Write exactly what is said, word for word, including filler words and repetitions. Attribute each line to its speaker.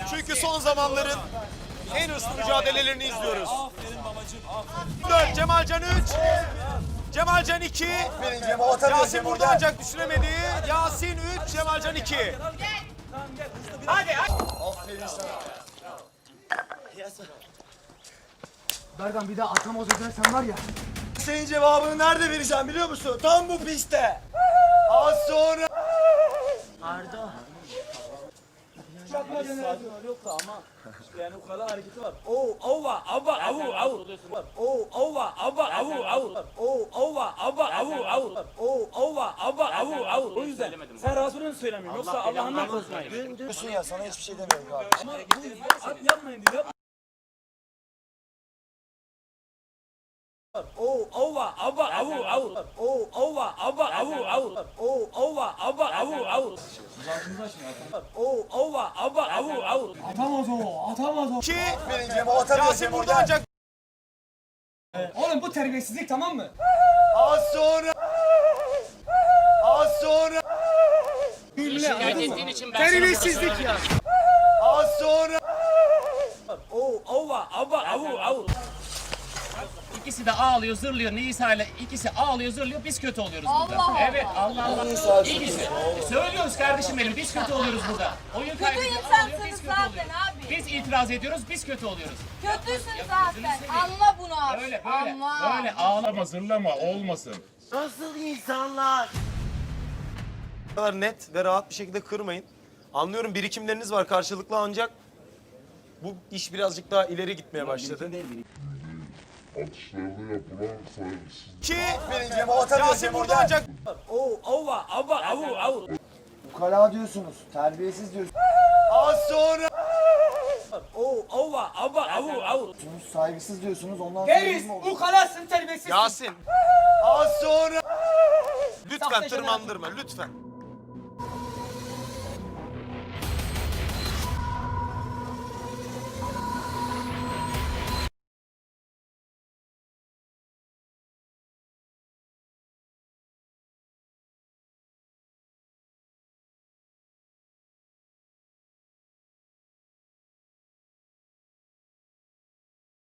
Speaker 1: Çünkü son zamanların en hırslı mücadelelerini izliyoruz.
Speaker 2: Aferin babacığım. Aferin.
Speaker 1: dört, Cemalcan üç. Cemalcan iki. Yasin burada ancak düşüremedi. Yasin üç, Cemalcan iki.
Speaker 2: Hadi hadi.
Speaker 3: Berdan bir daha atamaz edersen var ya.
Speaker 4: Senin cevabını nerede vereceğim biliyor musun? Tam bu pistte. Az sonra.
Speaker 3: Arda.
Speaker 2: Yoksa ama yani ukala hareketi var. Oo, ova, aba, avu, avu. Oo, ova, aba, avu, avu. Oo, ova, aba, avu, avu. Oo, ova, aba, avu, avu. O yüzden sen Resulü'nü söylemiyorsun. Yoksa Allah'ından korkmayın.
Speaker 4: Diyorsun ya sana hiçbir şey demiyorum kardeşim.
Speaker 2: Ama bu yapmayın diyor. Oo, ova, aba, avu, avu. Oo, ova, aba, avu, avu. Oo, ova, aba, avu, avu. Oo, ova, aba, avu, avu.
Speaker 3: Atamaz o, atamaz o.
Speaker 1: iki.
Speaker 4: Benim cevabı atamıyorsun
Speaker 1: Yasin burada ancak
Speaker 3: Oğlum bu terbiyesizlik tamam mı?
Speaker 4: Az sonra. Az sonra.
Speaker 5: Şikayet ettiğin için ben
Speaker 3: Terbiyesizlik ya.
Speaker 4: Az sonra.
Speaker 2: Oo, ova, aba, avu, avu.
Speaker 5: İkisi de ağlıyor, zırlıyor. Nisa ile ikisi ağlıyor, zırlıyor. Biz kötü oluyoruz burada.
Speaker 6: Allah
Speaker 5: Evet, Allah Allah. İkisi. Söylüyoruz kardeşim benim. Biz kötü oluyoruz burada. Oyun
Speaker 6: Kötü
Speaker 5: kaybediyor,
Speaker 6: insansınız
Speaker 5: ağlıyor, biz kötü
Speaker 6: zaten
Speaker 5: oluyoruz.
Speaker 6: abi.
Speaker 5: Biz itiraz ediyoruz, biz kötü oluyoruz.
Speaker 6: Kötüsün
Speaker 5: gözünü
Speaker 6: zaten.
Speaker 5: seveyim.
Speaker 6: Anla bunu abi.
Speaker 5: Böyle, böyle,
Speaker 6: Anla.
Speaker 5: böyle ağlama.
Speaker 7: Zırlama zırlama olmasın.
Speaker 4: Nasıl insanlar?
Speaker 1: bu kadar net ve rahat bir şekilde kırmayın. Anlıyorum birikimleriniz var karşılıklı ancak bu iş birazcık daha ileri gitmeye başladı.
Speaker 7: Atışlarda yapılan saygısızlık.
Speaker 1: iki.
Speaker 4: Benim cevabı atamıyorsun
Speaker 1: Yasin burada ancak
Speaker 2: Oo, ova, aba, avu, avu.
Speaker 3: Ukala diyorsunuz, terbiyesiz diyorsunuz,
Speaker 4: Az sonra.
Speaker 2: Oo, ova, aba, avu, avu.
Speaker 3: saygısız diyorsunuz ondan sonra
Speaker 2: Geriz,
Speaker 3: bizim oldu.
Speaker 2: ukalasın, terbiyesizsin.
Speaker 1: Yasin
Speaker 4: Az sonra.
Speaker 1: lütfen tırmandırma lütfen.